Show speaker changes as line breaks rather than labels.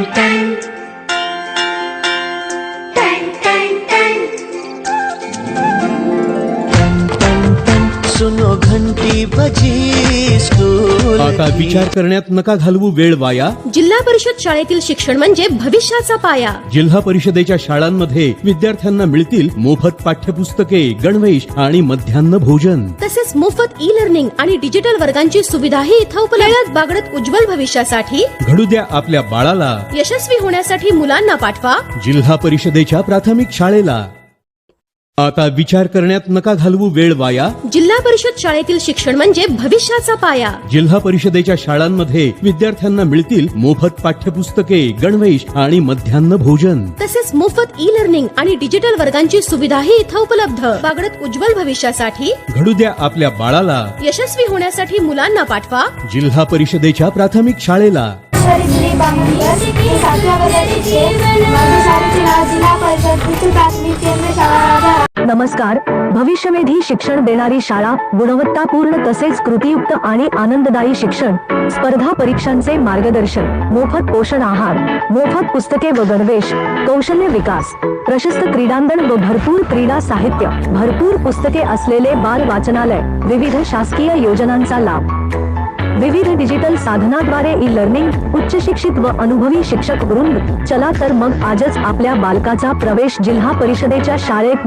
सुनो घंटी बजी स्कूल
आता विचार करण्यात नका घालवू वेळ वाया।
जिल्हा परिषद शाळेतील शिक्षण म्हणजे भविष्याचा पाया।
जिल्हा परिषदेच्या शाळांमध्ये विद्यार्थ्यांना मिळतील मोफत पाठ्यपुस्तके, गणवेश आणि मध्यान्ह भोजन,
तसेच मोफत ई लर्निंग आणि डिजिटल वर्गांची सुविधाही इथं उपलब्ध। बागडत उज्ज्वल भविष्यासाठी
घडू द्या आपल्या बाळाला।
यशस्वी होण्यासाठी मुलांना पाठवा
जिल्हा परिषदेच्या प्राथमिक शाळेला। आता विचार करण्यात नका घालवू वेळ वाया।
जिल्हा परिषद शाळेतील शिक्षण म्हणजे भविष्याचा पाया।
जिल्हा परिषदेच्या शाळांमध्ये विद्यार्थ्यांना मिळतील मोफत पाठ्यपुस्तके, गणवेश आणि मध्यान्ह भोजन,
तसेच मोफत ई लर्निंग आणि डिजिटल वर्गांची सुविधाही इथं उपलब्ध। बागडत उज्ज्वल भविष्यासाठी
घडू द्या आपल्या बाळाला।
यशस्वी होण्यासाठी मुलांना पाठवा
जिल्हा परिषदेच्या प्राथमिक शाळेला।
नमस्कार। भविष्यवेधी शिक्षण देणारी शाळा, गुणवत्तापूर्ण तसेच कृतीयुक्त आणि आनंददायी शिक्षण, स्पर्धा परीक्षांचे मार्गदर्शन, मोफत पोषण आहार, मोफत पुस्तके व गणवेश, कौशल्य विकास, प्रशस्त क्रीडांगण व भरपूर क्रीडा साहित्य, भरपूर पुस्तके असलेले बाल वाचनालय, विविध शासकीय योजनांचा लाभ, विविध डिजिटल साधनाद्वारे ई लर्निंग, उच्च शिक्षित व अनुभवी शिक्षक वृंद। चला तर मग आजच आपल्या बालकाचा प्रवेश जिल्हा परिषदेच्या शाळेत